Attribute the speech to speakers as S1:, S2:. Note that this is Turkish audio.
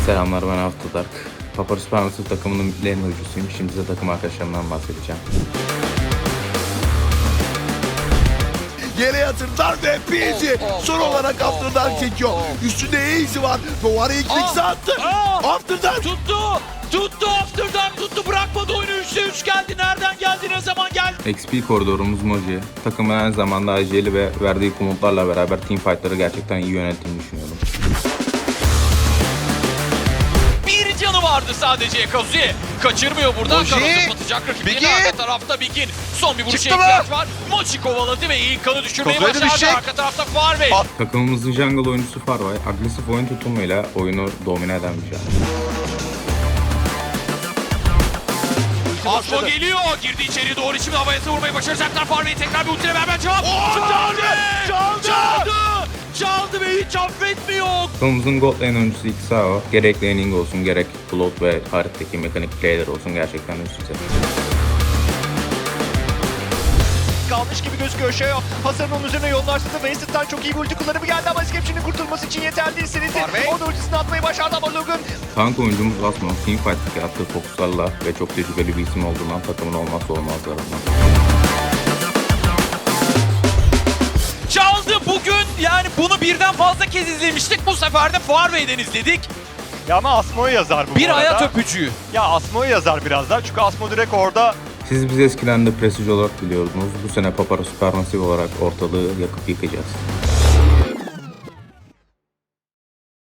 S1: Selamlar, ben Afterdark. Papara Supermassive takımının lane oyuncusuyum. Şimdi size takım arkadaşlarımdan bahsedeceğim.
S2: Yere yatırdılar ve Peasy son olarak Afterdark çekiyor. Üstünde Easy var. Duvara ilk mix'i attı. Afterdark
S3: Tuttu Afterdark tuttu, bırakmadı oyunu. 3'te 3 geldi. Nereden geldi, ne zaman geldi?
S1: XP koridorumuz Moji. Takımın aynı zamanda aceli ve verdiği komutlarla beraber teamfightları gerçekten iyi yönettiğini düşünüyorum.
S3: Bir canı vardı sadece Kazuya. Kaçırmıyor buradan.
S4: Moji.
S3: Karos'u batacak rakibinin
S4: Bigin.
S3: arka tarafta Bigin. Son bir vuruşa
S4: Çıktı mı?
S3: ihtiyaç var. Mochi kovaladı ve ilk kanı düşürmeyi
S4: Kazuya da
S3: başardı.
S4: düşecek.
S3: Arka tarafta Farvey.
S1: Takımımızın jungle oyuncusu Farvey, agresif oyun tutumuyla oyunu domine eden bir şey.
S3: Asmo geliyor. Girdi içeri doğru, şimdi havaya vurmayı başaracaklar. Farvey tekrar bir ultiyle beraber cevap. Çaldı ve hiç affetmiyor.
S1: Takımımızın gold lane oyuncusu Xao, gerek laning olsun gerek float ve haritadaki mekanik playler olsun gerçekten üst düzey.
S4: Kalmış gibi gözüküyor. Şeo hasarın onun üzerine yoğunlaştırdı. Wasted çok iyi bir ulti kullanımı geldi ama Skepçi'nin kurtulması için yeterli değil. Siniz'in o da ultisini atmayı başardı ama Logan
S1: Tank oyuncumuz Asmo, teamfight'taki attığı fokuslarla ve çok tecrübeli bir isim olduğundan takımın olmazsa olmazlarından.
S3: Çaldı bugün, yani bunu birden fazla kez izlemiştik. Bu sefer de Farvey'den izledik.
S4: ya ama Asmo'yu yazar bu
S3: Bir
S4: arada.
S3: hayat öpücüğü.
S4: Ya Asmo'yu yazar biraz daha çünkü Asmo direkt orada.
S1: Siz bizi eskiden de Prestige olarak biliyordunuz. Bu sene Papara Supermassive olarak ortalığı yakıp yıkacağız.